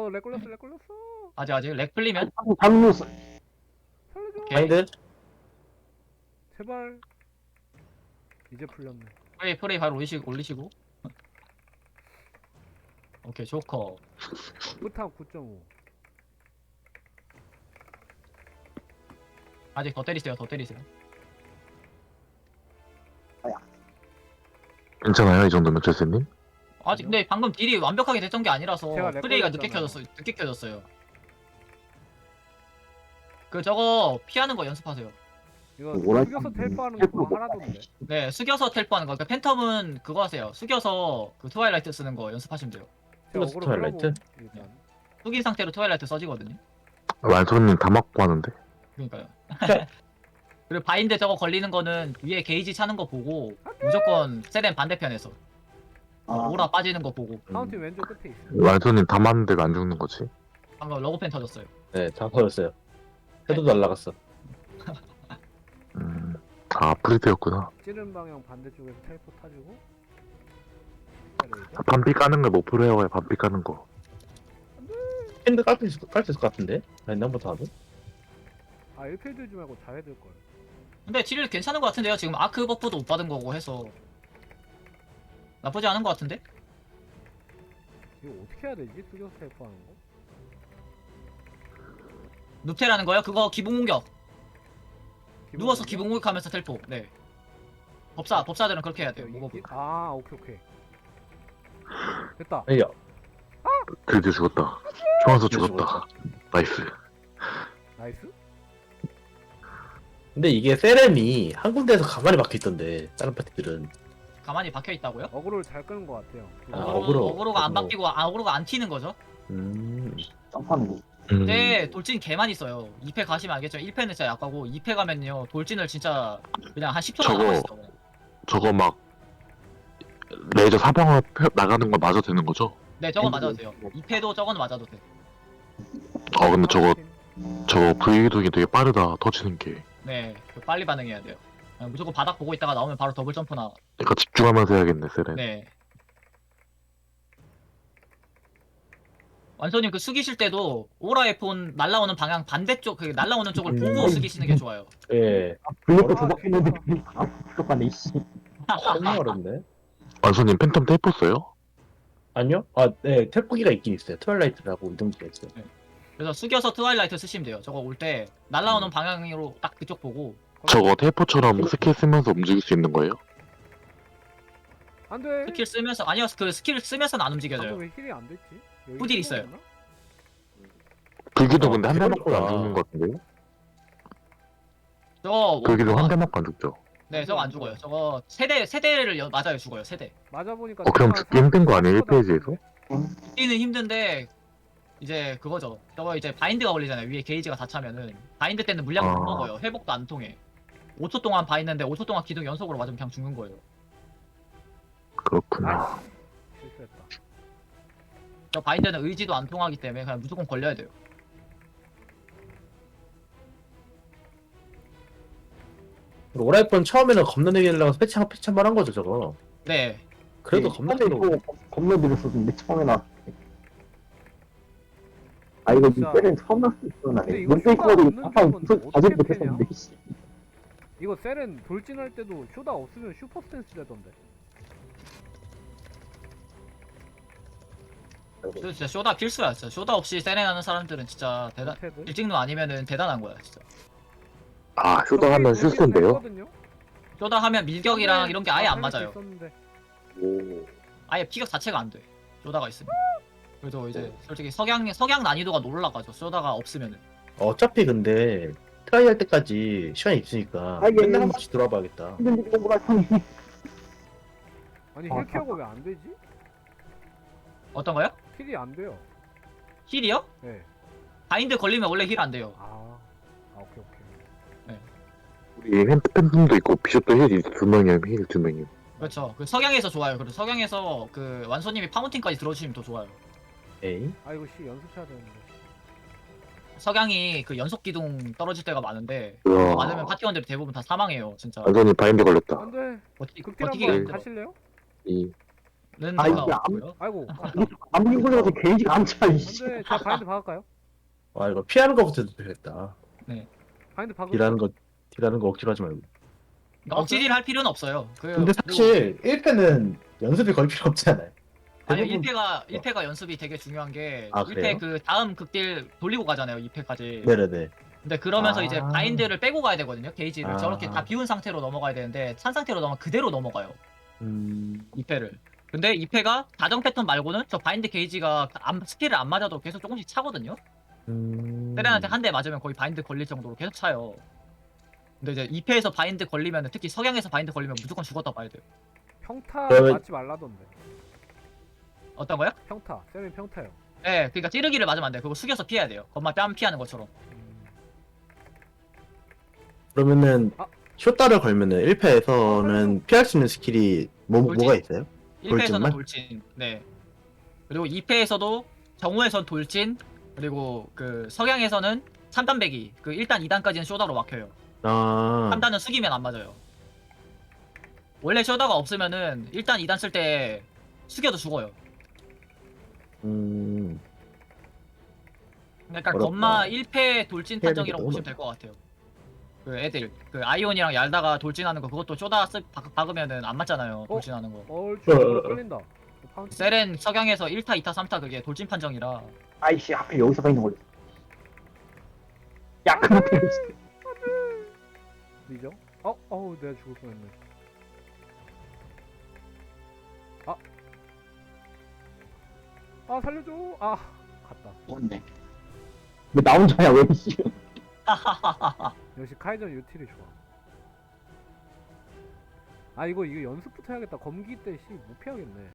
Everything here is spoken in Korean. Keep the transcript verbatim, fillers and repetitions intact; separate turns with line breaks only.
걸렸어 렉 걸렸어 렉 걸렸어.
아직 아직 렉 풀리면
방금
살려줘.
바인드?
제발. 이제 풀렸네.
프레이 프레이 바로 올리시고 올리시고. 오케이 조커.
끝탑 구 점 오.
아직 더 때리세요 더 때리세요.
괜찮아요 이 정도면 제스님?
아직 근데 방금 딜이 완벽하게 됐던 게 아니라서
제가 렉
프레이가 늦게
걸렸잖아요.
켜졌어요. 늦게 켜졌어요. 그 저거 피하는 거 연습하세요.
이거
뭐라
숙여서
했지?
텔포하는 거 그거 하나던데.
네 숙여서 텔포하는 거. 그러니까 팬텀은 그거 하세요. 숙여서 그 트와일라이트 쓰는 거 연습하시면 돼요.
제가
숙여서
어그로
트와일라이트?
끌어보고 일단.
숙인 상태로 트와일라이트 써지거든요.
완소님 다 맞고 하는데?
그러니까요. 그리고 바인드 저거 걸리는 거는 위에 게이지 차는 거 보고 무조건 세렌 반대편에서 어, 오라 빠지는 거 보고.
카운팅 왼쪽 끝에 있어.
완소님 다 맞는데 왜 안 죽는 거지?
방금 러그펜 터졌어요.
네, 다 터졌어요. 해도 날라갔어.
음... 아 프리드였구나.
찌른 방향 반대쪽에서 텔포 타주고.
반피 까는 거 못 풀어요. 반피 까는 거.
핸드 깔수 있을, 깔수 있을 것 같은데? 바인드 한 번 더 하면?
아 일 필 들지 말고 자해 들 걸.
근데 딜 괜찮은 거 같은데요. 지금 아크 버프도 못 받은 거고 해서 나쁘지 않은 거 같은데?
이거 어떻게 해야 되지? 숙여서 텔포하는 거?
눕테라는 거요? 그거 기본 공격.
기본
누워서
공격?
기본 공격하면서 텔포. 네. 법사 법사들은 그렇게 해야 돼요.
이-
무거워.
이- 아 오케이 오케이. 됐다.
아니요.
드디어 죽었다. 총알서
드디어
죽었다. 나이스.
나이스.
근데 이게 세렘이 한 군데에서 가만히 박혀있던데, 다른 파티들은.
가만히 박혀 있다고요?
어그로를 잘 끄는 것 같아요.
아,
어그로,
어그로.
어그로가 안
어그로.
바뀌고 아, 어그로가 안 튀는 거죠.
음.
음...
근데 돌진 개만 있어요. 이 패 가시면 알겠죠. 일 패는 진짜 약하고 이 패 가면요 돌진을 진짜 그냥 한 십 초만
저거-
남았어.
저거 막 레이저 사방으로 펴- 나가는 거 맞아도 되는 거죠?
네, 저건 맞아도 돼요. 이 패도 저건 맞아도 돼.
아 근데 저거
아,
저거 브이동이 되게 빠르다. 터지는 게.
네, 그 빨리 반응해야 돼요. 그냥 무조건 바닥 보고 있다가 나오면 바로 더블 점프나.
그러니까 집중하면서 해야겠네 세렌.
네. 완소님 그 숙이실 때도 오라의 폰 날라오는 방향 반대쪽 그 날라오는 쪽을
음.
보고 숙이시는 게 좋아요.
예.
블랙도 조작했는데
똑같네.
너무 어렵네.
완소님 팬텀 테이프 써요?
아니요? 아, 네, 텔포기가 있긴 있어요. 트와일라이트라고 이동기가 있어요.
그래서 숙여서 트와일라이트 쓰시면 돼요. 저거 올 때 날라오는 방향으로 딱 그쪽 보고.
저거 테이프처럼 스킬 쓰면서 움직일 수 있는 거예요?
안돼.
스킬 쓰면서 아니요 그 스킬 쓰면서는 안
방금
움직여져요.
왜 힐이 안 됐지? 여기
후딜
힐이
있어요.
없나?
불기도
어,
근데 한 대 맞고 안
그거구나.
죽는 거 같은데요?
저거
불기도
뭐-
한 대 맞고 안 죽죠?
네 저거 안 죽어요. 저거 세대 세대를 여- 맞아요 죽어요 세대.
맞아 보니까.
어 그럼 죽기 힘든 거 아니에요 일 페이지에서?
뛰는 힘든데 이제 그거죠. 저거 이제 바인드가 걸리잖아요. 위에 게이지가 다 차면은 바인드 때는 물량 못
아.
먹어요. 회복도 안 통해. 오 초 동안 바인드인데 오 초 동안 기둥 연속으로 맞으면 그냥 죽는 거예요.
그렇구나.
아, 실수했다.
저 바인드는 의지도 안 통하기 때문에 그냥 무조건 걸려야 돼요.
오라이폰 처음에는 겁나 내게 하려고 패치, 패치 한번 한 거죠, 저거.
네.
그래도 겁나 내게
겁나 들었었는데 처음에 나. 아 이거
진짜.
때는 처음 났을 때는
근데
아니야.
이거
문페이커도
쇼가 없는
아까
적은
무슨
어떻게
가지
패냐?
못했었는데. 씨.
이거 세렌 돌진할 때도 쇼다 없으면 슈퍼 스탠스 되던데.
저 진짜 쇼다 필수야. 진짜 쇼다 없이 세레나는 사람들은 진짜 대단.
테드.
일찍노 아니면은 대단한 거야 진짜.
아 휴동하면 실수인데요?
쇼다 하면 밀격이랑 이런 게 아예 안 맞아요.
있었는데.
오.
아예 피격 자체가 안 돼. 쇼다가 있으면. 그래서 이제 솔직히 석양 석양 난이도가 올라가죠. 쇼다가 없으면은.
어차피 근데 트라이 할 때까지 시간이 있으니까
아, 이게
맨날 한 번씩 들어와 봐야겠다.
힘든 일이구나 형이.
아니
아,
힐 케어가 왜 안 되지?
어떤 거요?
힐이 안 돼요.
힐이요?
네.
바인드 걸리면 원래 힐 안 돼요.
아, 아 오케이 오케이.
우리 팬- 팬텀도 있고 비숍도 힐이 두 명이에요. 힐 두 명이.
그렇죠. 그 석양에서 좋아요. 그리고 석양에서 그 완소님이 파운틴까지 들어주시면 더 좋아요.
에이.
아 이거 씨 연습해야 되는데.
석양이 그 연속 기둥 떨어질 때가 많은데
우와.
많으면 파티원들이 대부분 다 사망해요. 진짜.
완전히 바인드 걸렸다.
안돼.
버티,
극딜
버티기
한번
힘들어.
가실래요?
이
아,
데가
이게
없고요.
아이고. 아,
아무리 걸려도 게이지가 안 차, 이씨.
근데 제가 바인드 박을까요?
와 이거 피하는 거부터 되겠다.
바인드 박을.
딜하는 거 딜하는 거 억지로 하지 말고.
그러니까 억지질 할 필요는 없어요. 그,
근데 사실 일 패는 연습이 거의 필요 없잖아요.
아니
대부분-
일 패가 일 패가 연습이 되게 중요한 게
아,
일 패
그래요?
그 다음 극딜 돌리고 가잖아요. 이 패까지.
네네네.
근데 그러면서
아.
이제 바인드를 빼고 가야 되거든요. 게이지를
아.
저렇게 다 비운 상태로 넘어가야 되는데 찬 상태로 넘어 그대로 넘어가요.
음.
이 패를. 근데 이 패가 다정 패턴 말고는 저 바인드 게이지가 안, 스킬을 안 맞아도 계속 조금씩 차거든요.
음.
세렌한테 한 대 맞으면 거의 바인드 걸릴 정도로 계속 차요. 근데 이제 이 패에서 바인드 걸리면 특히 석양에서 바인드 걸리면 무조건 죽었다 봐야 돼요.
평타
그러면-
맞지 말라던데.
어떤 거요?
평타. 세렌 평타요.
네, 그러니까 찌르기를 맞으면 안 돼요. 그거 숙여서 피해야 돼요. 건마 뺨 피하는 것처럼.
음,
그러면은
아.
쇼다를 걸면은 일 패에서는 피할 수 있는 스킬이 뭐
돌진.
뭐가 있어요?
일 패에서는
돌진만?
돌진. 네. 그리고 이 패에서도 정우에선 돌진. 그리고 그 석양에서는 삼 단 배기. 그 일 단, 이 단까지는 쇼다로 막혀요.
아.
삼 단은 숙이면 안 맞아요. 원래 쇼다가 없으면은 일 단, 이 단 쓸 때 숙여도 죽어요.
음.
그러니까
어렵다.
건마 일 패 돌진
해야
판정이라고
되겠다,
보시면 될 것 같아요. 그 애들 그 아이온이랑 얄다가 돌진하는 거 그것도 쇼다 쓰, 박, 박으면은 안 맞잖아요. 돌진하는 거.
얼추
어, 어, 어.
끌린다. 파운틴.
세렌 석양에서 일 타, 이 타, 삼 타 그게 돌진 판정이라
아이씨, 하필 여기서 서 있는 걸려. 야, 그렇게.
리죠? 어, 어우, 내가 죽을 뻔했네. 아, 아 살려줘. 아, 갔다.
뭔데? 왜 나 혼자야, 왜, 씨.
역시 카이전 유틸이 좋아. 아 이거 이거 연습부터 해야겠다. 검기 때 씨 못 피하겠네.